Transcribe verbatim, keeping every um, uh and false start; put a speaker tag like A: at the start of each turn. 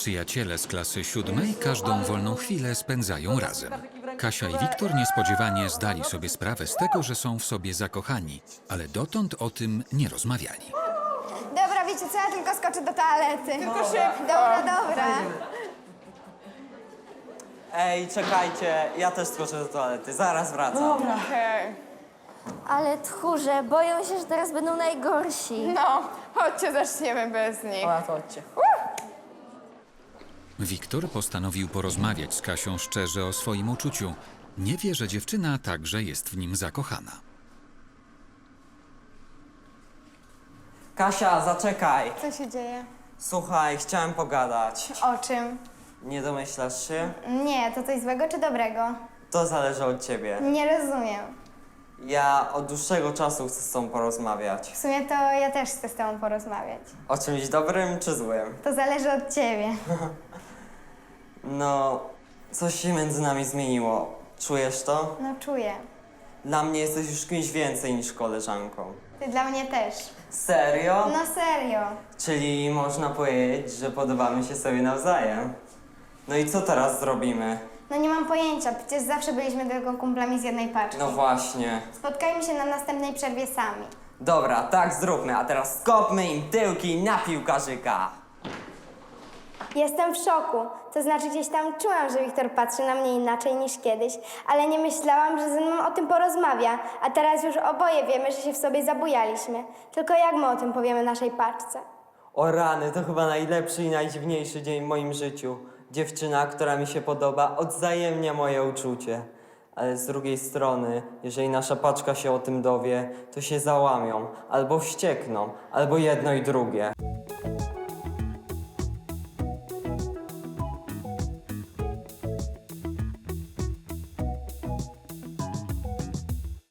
A: Przyjaciele z klasy siódmej każdą wolną chwilę spędzają razem. Kasia i Wiktor niespodziewanie zdali sobie sprawę z tego, że są w sobie zakochani, ale dotąd o tym nie rozmawiali.
B: Dobra, wiecie co, ja tylko skoczę do toalety.
C: Tylko szybko.
B: Dobra, dobra.
D: Ej, czekajcie, ja też skoczę do toalety, zaraz wracam.
C: Okej.
B: Ale tchórze, boją się, że teraz będą najgorsi.
C: No, chodźcie, zaczniemy bez nich.
E: Dobra, to chodźcie.
A: Wiktor postanowił porozmawiać z Kasią szczerze o swoim uczuciu. Nie wie, że dziewczyna także jest w nim zakochana.
D: Kasia, zaczekaj.
B: Co się dzieje?
D: Słuchaj, chciałem pogadać.
B: O czym?
D: Nie domyślasz się?
B: Nie, to coś złego czy dobrego?
D: To zależy od ciebie.
B: Nie rozumiem.
D: Ja od dłuższego czasu chcę z tobą porozmawiać.
B: W sumie to ja też chcę z tobą porozmawiać.
D: O czymś dobrym czy złym?
B: To zależy od ciebie.
D: No, coś się między nami zmieniło. Czujesz to?
B: No czuję.
D: Dla mnie jesteś już kimś więcej niż koleżanką.
B: Ty dla mnie też.
D: Serio?
B: No serio.
D: Czyli można powiedzieć, że podobamy się sobie nawzajem. No i co teraz zrobimy?
B: No nie mam pojęcia, przecież zawsze byliśmy tylko kumplami z jednej paczki.
D: No właśnie.
B: Spotkajmy się na następnej przerwie sami.
D: Dobra, tak zróbmy, a teraz skopmy im tyłki na piłkarzyka.
B: Jestem w szoku. To znaczy gdzieś tam czułam, że Wiktor patrzy na mnie inaczej niż kiedyś, ale nie myślałam, że ze mną o tym porozmawia. A teraz już oboje wiemy, że się w sobie zabujaliśmy. Tylko jak my o tym powiemy naszej paczce?
D: O rany, to chyba najlepszy i najdziwniejszy dzień w moim życiu. Dziewczyna, która mi się podoba, odwzajemnia moje uczucie. Ale z drugiej strony, jeżeli nasza paczka się o tym dowie, to się załamią, albo wściekną, albo jedno i drugie.